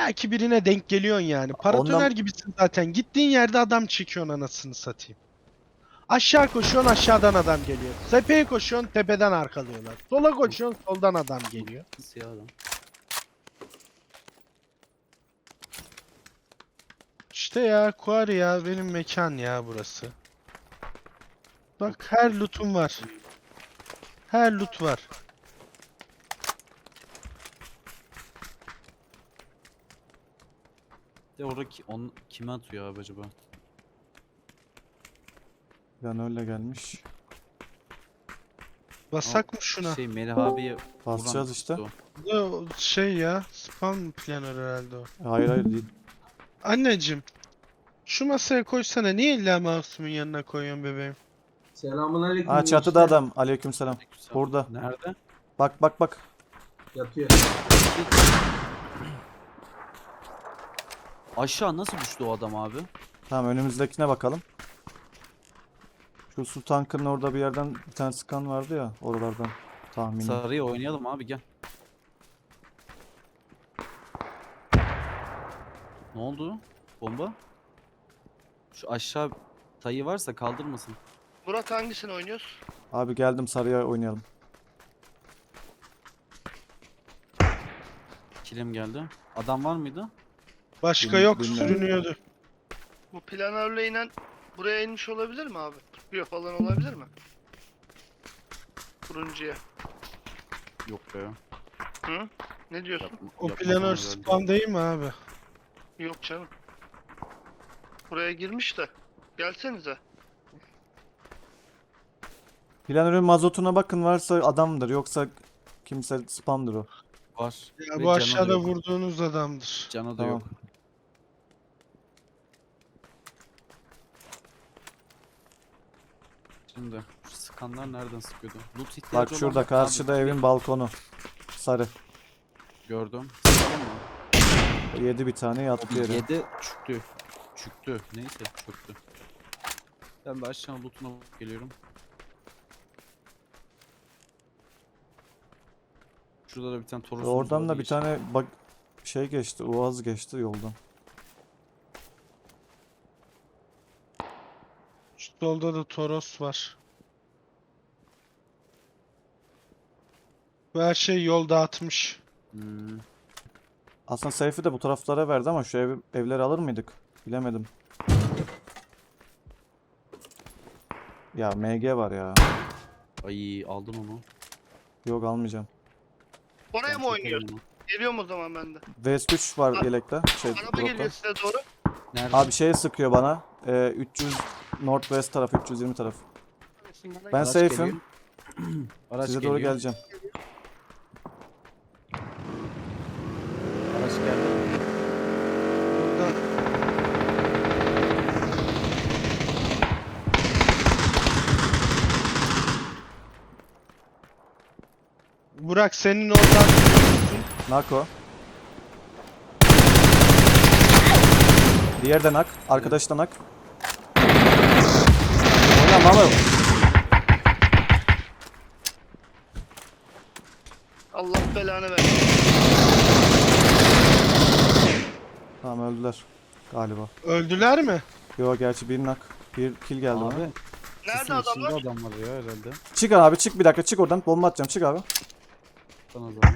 illaki birine denk geliyorsun yani. Paratoner Ondan- gibisin zaten. Gittiğin yerde adam çekiyorsun anasını satayım. Aşağı koşuyorsun aşağıdan adam geliyor. Tepeye koşuyorsun tepeden arkalıyorlar. Sola koşuyorsun soldan adam geliyor. Siyah adam. İşte ya Quarry ya benim mekan ya burası. Bak her loot'um var. Her loot var. De orada kime atıyor abi acaba? Yani öyle gelmiş. Basak mı şuna? Şey Melih abiye Basacağız vuran işte. o. O şey ya spam planör herhalde o. Hayır hayır değil. Anneciğim şu masaya koysana niye illa mouse'umun yanına koyuyorsun bebeğim? Selamünaleyküm. Ha çatıda gençler. adam. Aleykümselam. Burada. Nerede? Bak bak bak. Yatıyor. Aşağı nasıl düştü o adam abi? Tamam önümüzdekine bakalım. Şu su tankının orada bir yerden bir tane sıkan vardı ya oralardan tahminim. Sarıya oynayalım abi gel. Ne oldu? Bomba? Şu aşağı tayı varsa kaldırmasın. Murat hangisini oynuyoruz? Abi geldim sarıya oynayalım. Kilim geldi. Adam var mıydı? Başka Bilmiyorum, yok bilmiyorum. sürünüyordu. Bu planörle inen buraya inmiş olabilir mi abi? Tutuyor falan olabilir mi? Turuncuya. Yok be. Hı? Ne diyorsun? O Yapmaz planör herhalde. spam değil mi abi? Yok canım. Buraya girmiş de. Gelsenize. Planörün mazotuna bakın varsa adamdır yoksa kimse spamdır o. Var. Ya Ve bu canı da aşağıda yok. vurduğunuz adamdır. Canı da Tamam. yok. Şimdi şu sıkanlar nereden sıkıyordu? Loot ihtiyacı Bak olan şurada var mı karşıda abi? evin balkonu. Sarı. Gördüm. Sıkalım mı? Yedi bir tane yattı yere. 7 çüktü. Çüktü. Neyse çöktü. Ben de aşağı lootuna geliyorum. Şurada da bir tane Toros'umuz Oradan vardı, da bir hiç- tane bak şey geçti. Uaz geçti yoldan. Şu solda da Toros var. Bu her şey yol dağıtmış. Hmm. Aslında Seyfi de bu taraflara verdi ama şu evleri alır mıydık? Bilemedim. Ya MG var ya. Ay aldın onu. Yok almayacağım. Oraya Ben mı oynuyoruz? çekerim onu. Geliyorum o zaman ben de. VS3 var yelekte. Şey, Araba dropta. geliyor size doğru. Nerede? Abi şey sıkıyor bana. 300 Northwest tarafı, 320 tarafı. Ben Araç safe'im. geliyor. Araç Size geliyor. doğru geleceğim. Araç geldi. Burada Burak senin oradan Nako. Diğer de nak. Arkadaş da nak. Oynama oğlum. Allah belanı versin. Tamam öldüler. Galiba. öldüler mi? Yo gerçi bir nak. Bir kill geldi bana. Abi. Nerede Sesin adamlar? içinde adam var ya herhalde. Çık abi çık bir dakika çık oradan. Bomba atacağım çık abi. Bana zaman.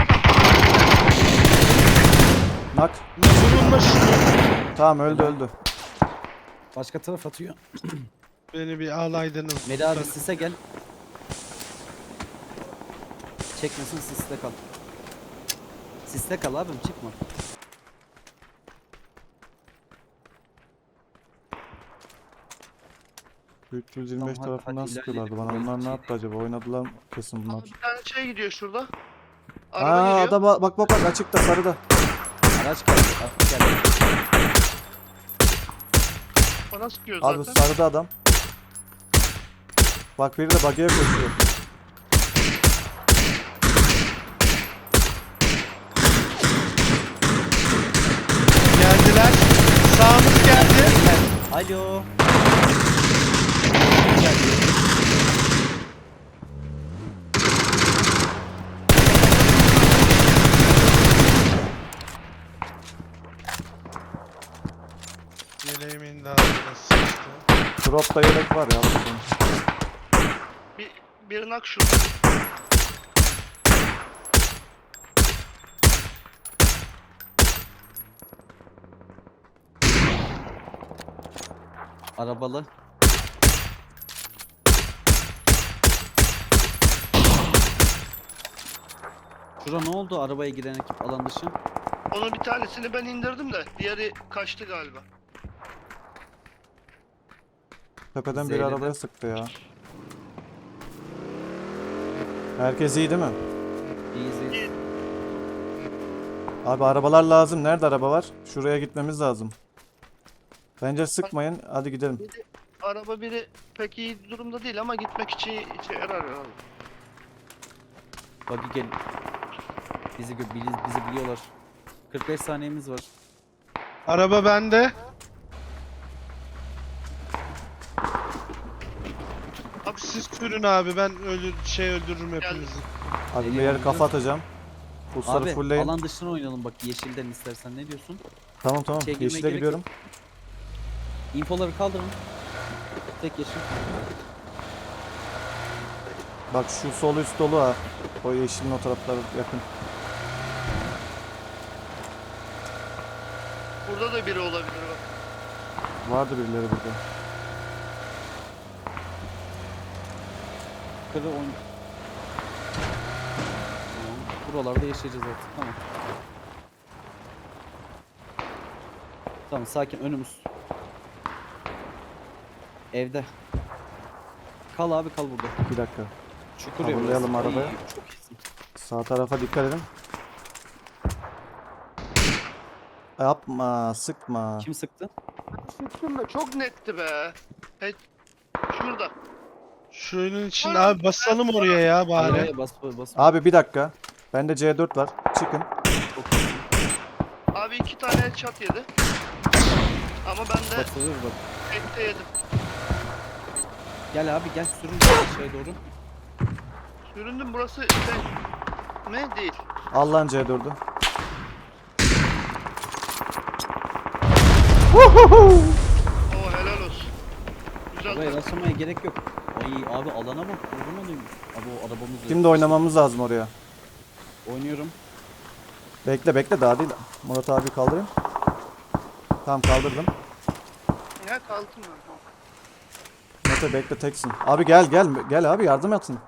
Nak. Vurulma şunu. Tamam öldü öldü. Başka taraf atıyor. Beni bir ağlaydınız. Meli abi sise gel. Çekmesin siste kal. Siste kal abim çıkma. Tamam, 325 Tamam, tarafından hadi sıkıyorlardı ilerleyelim. bana. Onlar ne Böyle yaptı acaba? Oynadılar mı? Kesin bunlar. Bir tane şey gidiyor şurada. Araba Aa geliyor. adam bak bak bak açıkta sarıda. Araç geldi. Araç geldi. Bana sıkıyor Abi zaten. sarıda adam. Bak biri de buggy'e koşuyor. Geldiler. Sağımız geldi. Alo. Yeleğimin de altına sıçtı. Drop'ta yelek var ya. Bakın. Bir nak şu. Arabalı. Şura ne oldu arabaya giren ekip alan dışı? Onun bir tanesini ben indirdim de diğeri kaçtı galiba. Tepeden bir Zeynep'e. arabaya sıktı ya. Herkes iyi değil mi? Easy. Abi arabalar lazım. Nerede araba var? Şuraya gitmemiz lazım. Bence sıkmayın. Hadi gidelim. Araba biri pek iyi durumda değil ama gitmek için işe yarar ya. Buggy gel. Bizi biliyorlar. 45 saniyemiz var. Araba bende. Abi siz sürün abi, ben öldürürüm hepinizi. Abi bir Geliyorum. yere kafa atacağım. Pulsarı Abi fullleyin. alan dışına oynayalım bak yeşilden istersen ne diyorsun? Tamam tamam. Şey girmeye Yeşile gerek gidiyorum. İnfoları kaldırın. Tek yeşil. Bak şu sol üst dolu ha. O yeşilin o tarafları yakın. Burada da biri olabilir bak. Vardı birileri burada. Kırı oyun. Tamam. Buralarda yaşayacağız artık tamam. Tamam sakin önümüz. Evde. Kal abi kal burada. Bir dakika. Çukur ya Coverlayalım burası. arabayı. İyi, çok iyisin. Sağ tarafa dikkat edin. Yapma, sıkma. Kim sıktı? Sıktım da çok netti be. Şurada. Şunun için abi basalım oraya ya bari. Arabaya bas. Abi bir dakika. Bende C4 var. Çıkın. Çok iyisin. Abi 2 tane çat yedi. Ama ben de Basılır bak. tekte yedim. Gel abi gel sürün şeye doğru. Süründüm, burası mi? Değil. Al lan C4'ü. Oo, helal olsun. Güzel Buraya taktik. rastlamaya gerek yok. Ay abi alana bak. Vurma duymuş. Abi o arabamız yok. Şimdi oynamamız lazım oraya. Oynuyorum. Bekle daha değil. Murat abi kaldırayım. Tamam kaldırdım. Ne kaldım ben. Mete bekle teksin. Abi gel abi yardım etsin.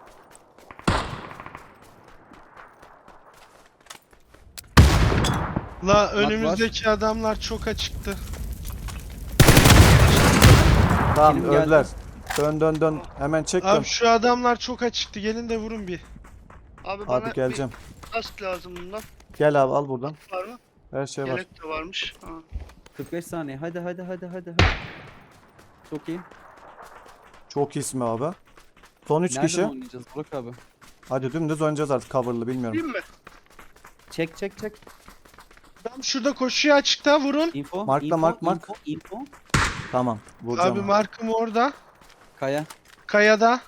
La önümüzdeki adamlar çok açıktı. Tamam Benim öldüler. Dön. Hemen çek dön. Abi şu adamlar çok açıktı. Gelin de vurun bir. Abi bana Abi geleceğim. bir kask lazım bundan. Gel abi al buradan. Var mı? Her şey var. Yelek de varmış. Ha. 45 saniye. Hadi. Çok iyi. Çok iyisin be abi. Son 3 Nereden kişi. oynayacağız Burak abi? Hadi dümdüz oynayacağız artık coverlı bilmiyorum. Değil mi? Çek. Adam şurada koşuyor açıkta, vurun. Info. Markla, info, mark. Info. Tamam vuracağım. Abi markım orada. Kaya. Kayada.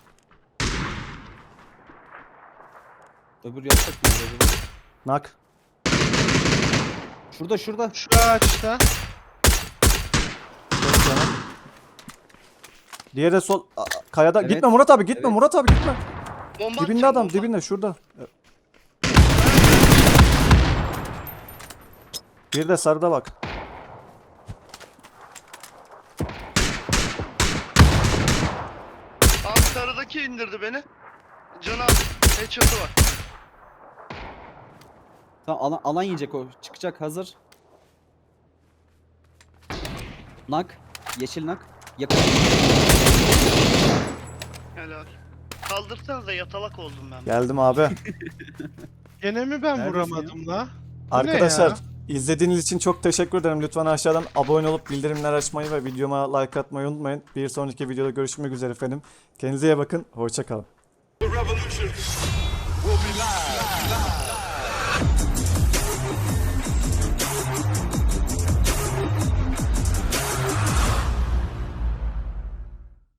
Öbür yapacak mı acaba? Nak. Şurada. Şu ağaçta. Çok canım. Diğeri de sol kayada. Evet. Gitme Murat abi gitme Evet. Murat abi gitme. Bomba Dibinde atacağım, adam bomba. dibinde şurada. Bir de sarıda bak. Abi sarıdaki indirdi beni. Can abi. Headshot'ı var. Tamam alan yiyecek o. Çıkacak hazır. Nak. Yeşil nak. Yakın. Helal. Kaldırsanız da yatalak oldum ben. Geldim abi. Gene mi ben Neredesin vuramadım la? Arkadaşlar ya? izlediğiniz için çok teşekkür ederim. Lütfen aşağıdan abone olup bildirimler açmayı ve videoma like atmayı unutmayın. Bir sonraki videoda görüşmek üzere efendim. Kendinize iyi bakın. Hoşça kalın. The revolution will be live.